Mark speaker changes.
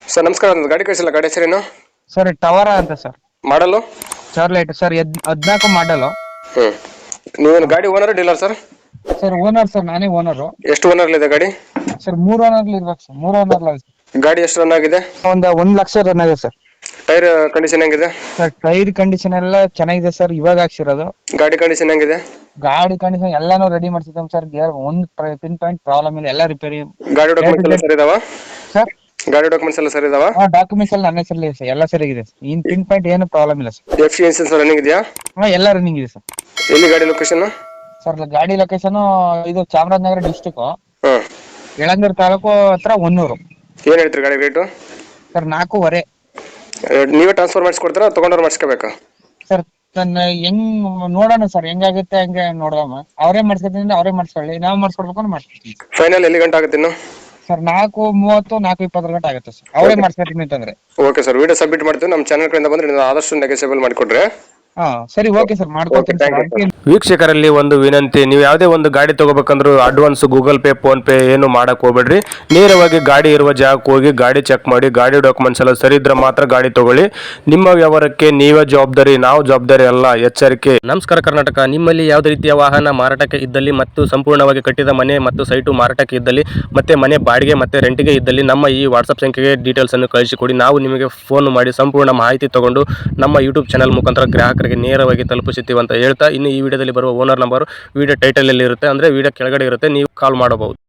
Speaker 1: Sir ನಮಸ್ಕಾರ, ಒಂದು ಗಾಡಿ ಕಳಿಸಿಲ್ಲ, ಗಾಡಿ ಹೆಸರೇನು?
Speaker 2: ಸರ್ ಟವರಾ ಅಂತ ಸರ್.
Speaker 1: ಮಾಡಲು
Speaker 2: ಚಾರ್ಲೈಟ್ ಸರ್ 14 ಮಾಡಲು.
Speaker 1: ನೀವೇನು ಗಾಡಿ owner dealer sir?
Speaker 2: Sir owner sir, ನಾನೇ ಓನರು.
Speaker 1: ಎಷ್ಟು ಓನರ್ ಇದೆ ಗಾಡಿ?
Speaker 2: ಸರ್ 3 ಓನರ್ ಇರ್ಬೇಕು ಸರ್, 3 ಓನರ್.
Speaker 1: ಗಾಡಿ ಎಷ್ಟು ರನ್ ಆಗಿದೆ?
Speaker 2: ಒಂದು 1 ಲಕ್ಷ ರನ್ ಆಗಿದೆ ಸರ್.
Speaker 1: ಟೈರ್ ಕಂಡೀಷನ್ ಹೆಂಗಿದೆ?
Speaker 2: ಸರ್ ಟೈರ್ ಕಂಡೀಷನ್ ಎಲ್ಲ ಚೆನ್ನಾಗಿದೆ ಸರ್, ಇವಾಗ ಹಾಕ್ಸಿರೋದು.
Speaker 1: ಗಾಡಿ ಕಂಡೀಷನ್ ಹೆಂಗಿದೆ?
Speaker 2: ಗಾಡಿ ಕಂಡೀಷನ್ ಎಲ್ಲಾನು ರೆಡಿ ಮಾಡ್ಸಿದ್ದೆ ಸರ್. ಒಂದು ಪಿನ್ ಪಾಯಿಂಟ್ ಪ್ರಾಬ್ಲಮ್ ಇಲ್ಲ, ಎಲ್ಲ ರಿಪೇರಿ.
Speaker 1: ಗಾಡಿ ಡಾಕ್ಯುಮೆಂಟ್ಸ್ ಎಲ್ಲ ಸರಿ ಇದಾವ?
Speaker 2: ಸರ್
Speaker 1: ಗಾಡಿ ಡಾಕ್ಯುಮೆಂಟ್ಸ್ ಎಲ್ಲ ಸರಿ ಇದಾವ?
Speaker 2: ಡಾಕ್ಯುಮೆಂಟ್ಸ್ ಎಲ್ಲ ನನ್ನ ಹೆಸರಲ್ಲಿ ಸರ್, ಎಲ್ಲ ಸರಿಯಾಗಿದೆ ಸರ್. ಇನ್ ಪಿನ್ ಪಾಯಿಂಟ್ ಏನು ಪ್ರಾಬ್ಲಮ್ ಇಲ್ಲ sir.
Speaker 1: F C insurance running ಇದೆಯಾ?
Speaker 2: ಎಲ್ಲ ರನ್ನಿಂಗ್ ಇದೆ ಸರ್.
Speaker 1: ಎಲ್ಲಿ ಗಾಡಿ ಲೊಕೇಶನ್?
Speaker 2: ಸರ್ ಗಾಡಿ ಲೊಕೇಶನ್ ಇದು ಚಾಮರಾಜನಗರ ಡಿಸ್ಟಿಕ್,
Speaker 1: ಹಾಂ.
Speaker 2: ಯಳಂದೂರು ತಾಲೂಕು ಹತ್ರ ಹೊನ್ನೂರು.
Speaker 1: ಏನು ಹೇಳ್ತೀರಿ ಗಾಡಿ ರೇಟು?
Speaker 2: ಸರ್ 4.5.
Speaker 1: ನೀವೇ ಟ್ರಾನ್ಸ್ಫರ್ ಮಾಡಿಸ್ಕೊಡ್ತಾರಾ, ತೊಗೊಂಡ್ರೆ ಮಾಡಿಸ್ಕೋಬೇಕಾ?
Speaker 2: ಸರ್ ಹೆಂಗ್ ನೋಡೋಣ ಸರ್, ಹೆಂಗಾಗುತ್ತೆ ಹಂಗೆ ನೋಡೋಣ. ಅವರೇ ಮಾಡ್ಸ್ಕೊತೀನಿ, ಅವರೇ ಮಾಡಿಸ್ಕೊಳ್ಳಿ, ನಾವು ಮಾಡಿಸ್ಕೊಡ್ಬೇಕು ಅಂದ್ರೆ ಮಾಡಿಸ್ಕೊಡ್ತೀವಿ.
Speaker 1: ಫೈನಲ್ ಎಲ್ಲಿ ಗಂಟೆ ಆಗುತ್ತೆ ಇನ್ನು?
Speaker 2: ಸರ್ 4:30 4:20 ಗಂಟೆ ಆಗುತ್ತೆ ಸರ್, ಅವರೇ ಮಾಡಿಸ್ಕೊತೀನಿ ಅಂತಂದ್ರೆ.
Speaker 1: ಓಕೆ ಸರ್, ವಿಡಿಯೋ ಸಬ್ಮಿಟ್ ಮಾಡ್ತೀವಿ. ನಮ್ಮ ಚಾನಲ್ ಕಡೆಯಿಂದ ಬಂದ್ರೆ ನೀವು ಆದಷ್ಟು ನೆಗೆಸೇಬಲ್ ಮಾಡಿಕೊಡ್ರಿ.
Speaker 2: ಹಾ ಸರಿ, ಓಕೆ ಸರ್, ಮಾಡ್ಕೊಡ್ತೀನಿ ಸರ್. ಅದಕ್ಕೆ
Speaker 3: ವೀಕ್ಷಕರಲ್ಲಿ ಒಂದು ವಿನಂತಿ, ನೀವು ಯಾವುದೇ ಒಂದು ಗಾಡಿ ತಗೋಬೇಕಂದ್ರೂ advance Google Pay PhonePe ಏನು ಮಾಡಕ್ ಹೋಗ್ಬೇಡ್ರಿ. ನೇರವಾಗಿ ಗಾಡಿ ಇರುವ ಜಾಗಕ್ಕೆ ಹೋಗಿ ಗಾಡಿ ಚೆಕ್ ಮಾಡಿ, ಗಾಡಿ ಡಾಕ್ಯುಮೆಂಟ್ಸ್ ಎಲ್ಲ ಸರಿ ಇದ್ರೆ ಮಾತ್ರ ಗಾಡಿ ತಗೊಳ್ಳಿ. ನಿಮ್ಮ ವ್ಯವಹಾರಕ್ಕೆ ನೀವೇ ಜವಾಬ್ದಾರಿ, ನಾವು ಜವಾಬ್ದಾರಿ ಅಲ್ಲ, ಎಚ್ಚರಿಕೆ. ನಮಸ್ಕಾರ ಕರ್ನಾಟಕ. ನಿಮ್ಮಲ್ಲಿ ಯಾವುದೇ ರೀತಿಯ ವಾಹನ ಮಾರಾಟಕ್ಕೆ ಇದ್ದಲ್ಲಿ ಮತ್ತು ಸಂಪೂರ್ಣವಾಗಿ ಕಟ್ಟಿದ ಮನೆ ಮತ್ತು ಸೈಟು ಮಾರಾಟಕ್ಕೆ ಇದ್ದಲ್ಲಿ ಮತ್ತೆ ಮನೆ ಬಾಡಿಗೆ ಮತ್ತೆ ರೆಂಟಿಗೆ ಇದ್ದಲ್ಲಿ ನಮ್ಮ ಈ ವಾಟ್ಸಪ್ ಸಂಖ್ಯೆಗೆ ಡೀಟೇಲ್ಸ್ ಅನ್ನು ಕಳಿಸಿಕೊಡಿ. ನಾವು ನಿಮಗೆ ಫೋನ್ ಮಾಡಿ ಸಂಪೂರ್ಣ ಮಾಹಿತಿ ತಗೊಂಡು ನಮ್ಮ ಯೂಟ್ಯೂಬ್ ಚಾನಲ್ ಮುಖಾಂತರ ಗ್ರಾಹಕರಿಗೆ ನೇರವಾಗಿ ತಲುಪಿಸುತ್ತೀವಿ ಅಂತ ಹೇಳ್ತಾ, ಇನ್ನು ಈ ವಿಡಿಯೋದಲ್ಲಿ ಬರುವ ಓನರ್ ನಂಬರ್ ವಿಡಿಯೋ ಟೈಟಲ್ ಅಲ್ಲಿ ಇರುತ್ತೆ, ಅಂದ್ರೆ ವಿಡಿಯೋ ಕೆಳಗಡೆ ಇರುತ್ತೆ, ನೀವು ಕಾಲ್ ಮಾಡಬಹುದು.